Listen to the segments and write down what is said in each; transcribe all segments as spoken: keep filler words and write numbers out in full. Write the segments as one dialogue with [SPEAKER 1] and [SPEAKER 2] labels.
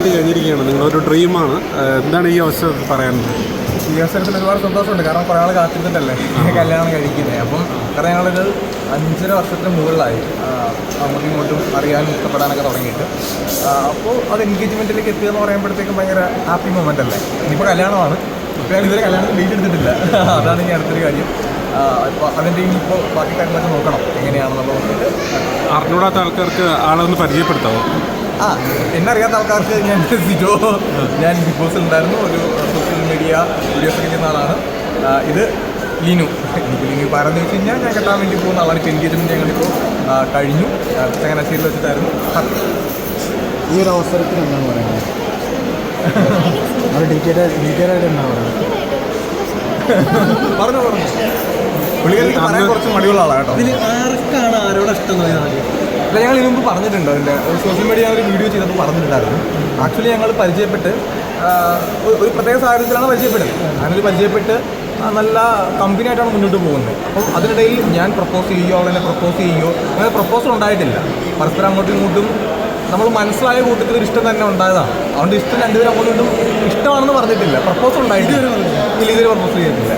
[SPEAKER 1] പരിപാടി കഴിഞ്ഞിരിക്കുകയാണ്, നിങ്ങളൊരു ഡ്രീമാണ്. എന്താണ് ഈ അവസരത്തിൽ പറയാനുള്ളത്?
[SPEAKER 2] ഈ അവസരത്തിൽ ഒരുപാട് സന്തോഷമുണ്ട്. കാരണം കുറേ ആൾ കാത്തിരുന്നിട്ടല്ലേ കല്യാണം കഴിക്കുന്നത്. അപ്പം കാരണം ഞങ്ങളൊരു അഞ്ചര വർഷത്തിന് മുകളിലായി അങ്ങോട്ടും ഇങ്ങോട്ടും അറിയാനും ഇഷ്ടപ്പെടാനൊക്കെ തുടങ്ങിയിട്ട്. അപ്പോൾ അത് എൻഗേജ്മെൻറ്റിലേക്ക് എത്തുക എന്ന് പറയുമ്പോഴത്തേക്കും ഭയങ്കര ഹാപ്പി മൊമെൻ്റ് അല്ലേ. ഇനിയിപ്പോൾ കല്യാണമാണ്. ഇപ്പോൾ ഞാൻ ഇതുവരെ കല്യാണത്തിന് ഡേറ്റ് എടുത്തിട്ടില്ല. അതാണ് ഇനി അടുത്തൊരു കാര്യം. ഇപ്പോൾ അതിൻ്റെ ഇനിയിപ്പോൾ ബാക്കി കാര്യങ്ങളൊക്കെ നോക്കണം എങ്ങനെയാണെന്നുള്ളത് നോക്കിയിട്ട്.
[SPEAKER 1] അറിഞ്ഞൂടാത്ത ആൾക്കാർക്ക് ആളെ ഒന്ന് പരിചയപ്പെടുത്താമോ?
[SPEAKER 2] ആ, എന്നെ അറിയാത്ത ആൾക്കാർക്ക് ഞാൻ സിജോ, ഞാൻ ബിഗ് ബോസിൽ ഉണ്ടായിരുന്നു. ഒരു സോഷ്യൽ മീഡിയ വീഡിയോസ് ചെയ്യുന്ന ആളാണ്. ഇത് ലിനു. എനിക്ക് ലിനു പറഞ്ഞു വെച്ച് കഴിഞ്ഞാൽ ഞാൻ കെട്ടാൻ വേണ്ടി പോകുന്ന ആളാണ്. ഇപ്പോൾ എൻഗേജ്മെൻറ്റ് ഞങ്ങളിപ്പോൾ കഴിഞ്ഞു. ചങ്ങനാശ്ശേരിയിൽ വെച്ചിട്ടായിരുന്നു.
[SPEAKER 3] ഈ ഒരു അവസരത്തിൽ എന്താണ് പറയുന്നത്? അത് ഡീറ്റെയിൽ ഡീറ്റെയിൽ ആയിട്ട് എന്താണ് പറയുന്നത്?
[SPEAKER 2] പറഞ്ഞു പറഞ്ഞു പുള്ളിക്കാരിക്ക് പറയാൻ കുറച്ച് മടിയുള്ള ആളാണ് കേട്ടോ.
[SPEAKER 3] ഇതിൽ ആർക്കാണ് ആരോട് ഇഷ്ടം?
[SPEAKER 2] അല്ല, ഞങ്ങൾ ഇതിന് മുമ്പ് പറഞ്ഞിട്ടുണ്ട്. അതിൻ്റെ സോഷ്യൽ മീഡിയ ഒരു വീഡിയോ ചെയ്തപ്പോൾ പറഞ്ഞിട്ടുണ്ടായിരുന്നു. ആക്ച്വലി ഞങ്ങൾ പരിചയപ്പെട്ട് ഒരു പ്രത്യേക സാഹചര്യത്തിലാണ് പരിചയപ്പെട്ടത്. അങ്ങനെ പരിചയപ്പെട്ട് നല്ല കമ്പനി ആയിട്ടാണ് മുന്നോട്ട് പോകുന്നത്. അപ്പം അതിനിടയിൽ ഞാൻ പ്രപ്പോസ് ചെയ്യുകയോ അവളെന്നെ പ്രപ്പോസ് ചെയ്യുകയോ അങ്ങനെ പ്രപ്പോസൽ ഉണ്ടായിട്ടില്ല. പരസ്പരം അങ്ങോട്ടും ഇങ്ങോട്ടും നമ്മൾ മനസ്സിലായ കൂട്ടത്തിൽ ഒരു ഇഷ്ടം തന്നെ ഉണ്ടായതാണ്. അതുകൊണ്ട് ഇഷ്ടം രണ്ടുപേരും അങ്ങോട്ടും ഇങ്ങോട്ടും ഇഷ്ടമാണെന്ന് പറഞ്ഞിട്ടില്ല. പ്രപ്പോസൽ ഉണ്ടായിട്ടില്ല. ഇല്ല, ഇതുവരെ പ്രപ്പോസ് ചെയ്തിട്ടില്ല.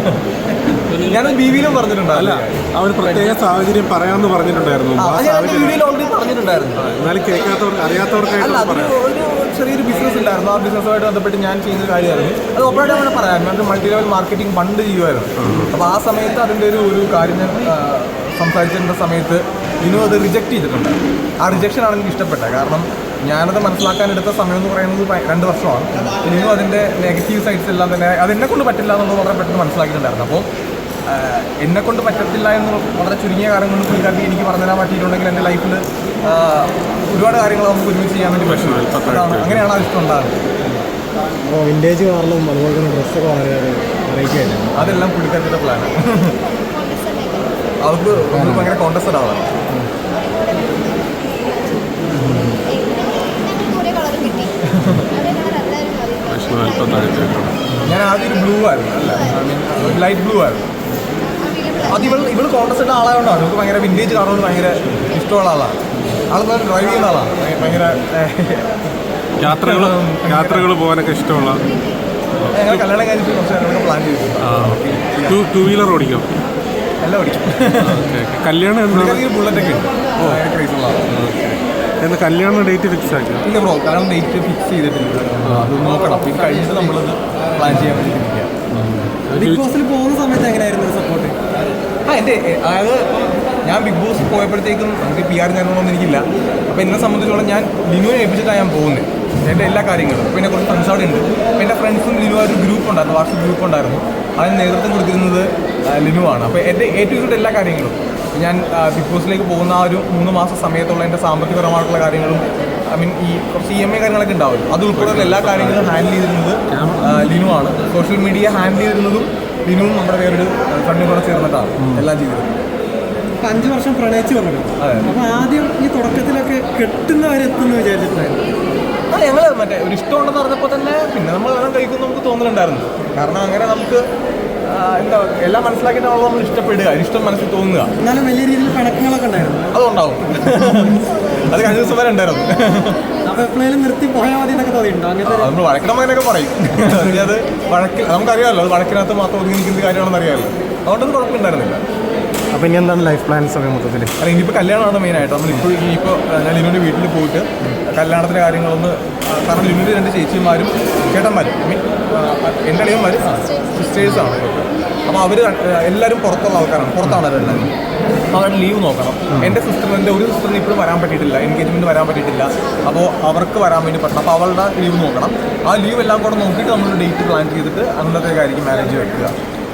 [SPEAKER 2] ഞാനത് ബി വിയിലും പറഞ്ഞിട്ടുണ്ടല്ല.
[SPEAKER 1] അവർ പ്രത്യേക സാഹചര്യം പറയാമെന്ന് പറഞ്ഞിട്ടുണ്ടായിരുന്നു.
[SPEAKER 2] വീഡിയോയിൽ ഓൾറെഡി പറഞ്ഞിട്ടുണ്ടായിരുന്നു.
[SPEAKER 1] എന്നാലും കേൾക്കാത്തവർക്ക് അറിയാത്തവർക്കായിട്ട്
[SPEAKER 2] അല്ല, അത് ഒരു ചെറിയൊരു ബിസിനസ് ഉണ്ടായിരുന്നു. ആ ബിസിനസ്സുമായിട്ട് ബന്ധപ്പെട്ട് ഞാൻ ചെയ്യുന്ന കാര്യമായിരുന്നു. അത് ഓപ്പറേറ്റ് അങ്ങനെ പറയാം. ഞാൻ മൾട്ടി ലെവൽ മാർക്കറ്റിംഗ് പണ്ട് ചെയ്യുമായിരുന്നു. അപ്പോൾ ആ സമയത്ത് അതിൻ്റെ ഒരു ഒരു കാര്യം ഞാൻ സംസാരിച്ചിരുന്ന സമയത്ത് ഇനും അത് റിജക്റ്റ് ചെയ്തിട്ടുണ്ട്. ആ റിജക്ഷനാണ് എനിക്ക് ഇഷ്ടപ്പെട്ടത്. കാരണം ഞാനത് മനസ്സിലാക്കാനെടുത്ത സമയം എന്ന് പറയുന്നത് രണ്ട് വർഷമാണ്. ഇനിയും അതിൻ്റെ നെഗറ്റീവ് സൈഡ്സ് എല്ലാം തന്നെ അതെന്നെ കൊണ്ട് പറ്റില്ല എന്നുള്ളത് വളരെ പെട്ടെന്ന് മനസ്സിലാക്കിയിട്ടുണ്ടായിരുന്നു. അപ്പോൾ എന്നെ കൊണ്ട് പറ്റത്തില്ല എന്ന് വളരെ ചുരുങ്ങിയ കാലം കൊണ്ട് പുള്ളിക്കാർക്ക് എനിക്ക് പറഞ്ഞു തരാൻ പറ്റിയിട്ടുണ്ടെങ്കിൽ എൻ്റെ ലൈഫിൽ ഒരുപാട് കാര്യങ്ങൾ നമുക്ക് ഒരുമിച്ച് ചെയ്യാൻ വേണ്ടി പറ്റും. അങ്ങനെയാണ് ആ ഇഷ്ടം ഉണ്ടാകുന്നത്.
[SPEAKER 3] അപ്പോൾ വിൻറ്റേജ് കാറിലും അതുപോലെ തന്നെ ഡ്രസ്സൊക്കെ വളരെ വെറൈറ്റിയായിട്ട്
[SPEAKER 2] അതെല്ലാം പുള്ളിക്കാരുടെ പ്ലാനാണ്. അവർക്ക് ഭയങ്കര കോൺടസ്റ്റഡ് ആവാം. ഞാൻ ആദ്യം ഒരു ബ്ലൂ ആയിരുന്നു. അല്ല, ഐ മീൻ ലൈറ്റ് ബ്ലൂ ആയിരുന്നു. അത് ഇവൾ ഇവൾ കോൺടസ്റ്റഡ് ആളായതുകൊണ്ടാണ്. നമുക്ക് ഭയങ്കര വിൻറ്റേജ് കാറുകൊണ്ട് ഭയങ്കര ഇഷ്ടമുള്ള ആളാണ്. ആൾ ഡ്രൈവ് ചെയ്യുന്ന ആളാണ്. ഭയങ്കര
[SPEAKER 1] യാത്രകൾ യാത്രകൾ പോകാനൊക്കെ ഇഷ്ടമുള്ള.
[SPEAKER 2] ഞങ്ങൾ കല്യാണം കഴിഞ്ഞിട്ട് കുറച്ച് കാര്യങ്ങളൊക്കെ പ്ലാൻ ചെയ്തിട്ടുണ്ട്.
[SPEAKER 1] ടു ടു വീലർ ഓടിക്കും?
[SPEAKER 2] എല്ലാം ഓടിക്കും.
[SPEAKER 1] കല്യാണം
[SPEAKER 2] ബുള്ളറ്റൊക്കെ ഉണ്ട്. ക്രൈസുള്ള ആളാണ്.
[SPEAKER 1] എന്താ കല്യാണം ഡേറ്റ് ഫിക്സ് ആക്കി?
[SPEAKER 2] ഇല്ല ബ്രോ, കാരണം ഡേറ്റ് ഫിക്സ് ചെയ്തിട്ടില്ല. അത് നോക്കണം. ഇത് കഴിഞ്ഞിട്ട് നമ്മളത് പ്ലാൻ ചെയ്യാൻ വേണ്ടിയിരിക്കുക.
[SPEAKER 3] ബിഗ് ബോസിൽ പോകുന്ന സമയത്ത് എങ്ങനെയായിരുന്നു സപ്പോർട്ട്?
[SPEAKER 2] ആ എൻ്റെ അതായത് ഞാൻ ബിഗ് ബോസ് പോയപ്പോഴത്തേക്കും നമുക്ക് പി ആർ കാര്യങ്ങളൊന്നും എനിക്കില്ല. അപ്പോൾ എന്നെ സംബന്ധിച്ചോളം ഞാൻ ലിനുവിനെ ഏൽപ്പിച്ചിട്ടാണ് ഞാൻ പോകുന്നത്. എൻ്റെ എല്ലാ കാര്യങ്ങളും. അപ്പോൾ എന്നെ കുറച്ച് ഫ്രണ്ട്സ് അവിടെ ഉണ്ട്. അപ്പോൾ എൻ്റെ ഫ്രണ്ട്സും ലിനു ഒരു ഗ്രൂപ്പ് ഉണ്ടായിരുന്നു, വാട്സപ്പ് ഗ്രൂപ്പ് ഉണ്ടായിരുന്നു. അതിന് നേതൃത്വം കൊടുത്തിരുന്നത് ലിനുവാണ്. അപ്പോൾ എൻ്റെ ഏറ്റവും കൂടുതൽ എല്ലാ കാര്യങ്ങളും ഞാൻ ബിഗ് ബോസിലേക്ക് പോകുന്ന ആ ഒരു മൂന്ന് മാസം സമയത്തുള്ള എൻ്റെ സാമ്പത്തികപരമായിട്ടുള്ള കാര്യങ്ങളും ഐ മീൻ ഈ കുറച്ച് ഇ എം ഐ കാര്യങ്ങളൊക്കെ ഉണ്ടാവും. അത് ഉൾപ്പെടെയുള്ള എല്ലാ കാര്യങ്ങളും ഹാൻഡിൽ ചെയ്തിരുന്നത് ലിനുവാണ്. സോഷ്യൽ മീഡിയ ഹാൻഡിൽ ചെയ്തിരുന്നതും ലിനുവും നമ്മുടെ വേറൊരു ഫ്രണ്ടും കൂടെ ചേർന്നിട്ടാണ് എല്ലാം ചെയ്തിരുന്നത്.
[SPEAKER 3] അപ്പം അഞ്ച് വർഷം പ്രണയിച്ച് പറഞ്ഞു.
[SPEAKER 2] അതെ.
[SPEAKER 3] അപ്പോൾ ആദ്യം ഈ തുടക്കത്തിലൊക്കെ കെട്ടുന്നവരെത്തുമെന്ന് വിചാരിച്ചിട്ടുണ്ടായിരുന്നു.
[SPEAKER 2] ആ, ഞങ്ങൾ മറ്റേ ഒരു ഇഷ്ടമുണ്ടെന്ന് പറഞ്ഞപ്പോൾ തന്നെ പിന്നെ നമ്മൾ എല്ലാം കഴിക്കുമെന്ന് നമുക്ക് തോന്നലുണ്ടായിരുന്നു. കാരണം അങ്ങനെ നമുക്ക് എന്താ എല്ലാം മനസ്സിലാക്കിയിട്ടാണല്ലോ നമ്മൾ ഇഷ്ടപ്പെടുക, ഇഷ്ടം മനസ്സിൽ തോന്നുക.
[SPEAKER 3] എന്നാലും വലിയ രീതിയിൽ പിണക്കങ്ങളൊക്കെ ഉണ്ടായിരുന്നു.
[SPEAKER 2] അതുണ്ടാവും. അത് കഴിഞ്ഞ ദിവസം വരെ ഉണ്ടായിരുന്നു.
[SPEAKER 3] അപ്പോൾ എപ്പോഴേലും നിർത്തി പോയാൽ മതി എന്നൊക്കെ തോന്നിയിട്ടുണ്ടോ? അങ്ങനത്തെ
[SPEAKER 2] നമ്മൾ വഴക്കണം അങ്ങനെയൊക്കെ പറയും. അത് വഴക്കിൽ നമുക്കറിയാമല്ലോ, അത് വഴക്കിനകത്ത് മാത്രം ഒതുങ്ങി നിൽക്കുന്ന കാര്യമാണെന്ന് അറിയാമല്ലോ. അതുകൊണ്ടത് കുഴപ്പമുണ്ടായിരുന്നില്ല.
[SPEAKER 3] അപ്പോൾ ഇനി എന്താണ് ലൈഫ് പ്ലാൻസ് ഒക്കെ മൊത്തത്തിൽ?
[SPEAKER 2] അല്ല, ഇനിയിപ്പോൾ കല്യാണമാണ് മെയിനായിട്ട്. നമ്മളിപ്പോൾ ഇനിയിപ്പോൾ ഞാൻ ലിനുവിൻ്റെ വീട്ടിൽ പോയിട്ട് കല്യാണത്തിൻ്റെ കാര്യങ്ങളൊന്ന്, കാരണം ലിനുവിൻ്റെ രണ്ട് ചേച്ചിമാരും ചേട്ടന്മാരും ഐ മീൻ എൻ്റെ അളിയന്മാർ സിസ്റ്റേഴ്സാണ്. അപ്പോൾ അവർ എല്ലാവരും പുറത്തുള്ള ആൾക്കാരാണ്, പുറത്താണ് അവരെല്ലാവരും. അപ്പോൾ അവരുടെ ലീവ് നോക്കണം. എൻ്റെ സിസ്റ്ററിന് എൻ്റെ ഒരു സിസ്റ്ററിന് ഇപ്പോഴും വരാൻ പറ്റിയിട്ടില്ല, എൻഗേജ്മെൻറ്റ് വരാൻ പറ്റിയിട്ടില്ല. അപ്പോൾ അവർക്ക് വരാൻ വേണ്ടി പറ്റണം. അപ്പോൾ അവളുടെ ലീവ് നോക്കണം. ആ ലീവ് എല്ലാം കൂടെ നോക്കിയിട്ട് നമ്മൾ ഡേറ്റ് പ്ലാൻ ചെയ്തിട്ട് അന്നത്തേക്കായിരിക്കും മാരേജ് വെക്കുക.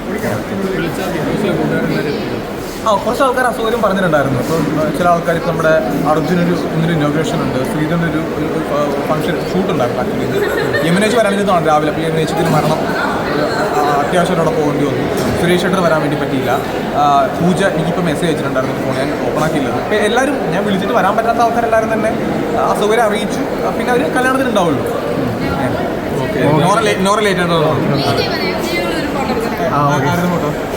[SPEAKER 2] ആ, കുറച്ച് ആൾക്കാർ അസൗകര്യം പറഞ്ഞിട്ടുണ്ടായിരുന്നു. ഇപ്പോൾ ചില ആൾക്കാർ ഇപ്പോൾ നമ്മുടെ അർജുനൊരു ഇന്നൊരു ഇനോഗ്രേഷൻ ഉണ്ട്, ശ്രീധൻ്റെ ഒരു ഫംഗ്ഷൻ ഷൂട്ട് ഉണ്ടായിരുന്നു. ആക്ച്വലി ഇത് യമുനേച്ച് വരാനിരുന്നതാണ് രാവിലെ. അപ്പോൾ യമുനേച്ചിന് മരണം അത്യാവശ്യമായിട്ട് പോകേണ്ടി വന്നു. സുരേഷ് ഏട്ടന് വരാൻ വേണ്ടി പറ്റിയില്ല. പൂജ എനിക്കിപ്പോൾ മെസ്സേജ് അയച്ചിട്ടുണ്ടായിരുന്നു, ഫോൺ ഞാൻ ഓപ്പൺ ആക്കിയില്ലത്. അപ്പോൾ എല്ലാവരും ഞാൻ വിളിച്ചിട്ട് വരാൻ പറ്റാത്ത ആൾക്കാരെല്ലാവരും തന്നെ അസൗകര്യം അറിയിച്ചു. പിന്നെ അവർ കല്യാണത്തിന് ഉണ്ടാവുള്ളൂ. Okay, Nora late Nora late ആയിട്ടുള്ള. ആ, ആയിരുന്നു കേട്ടോ.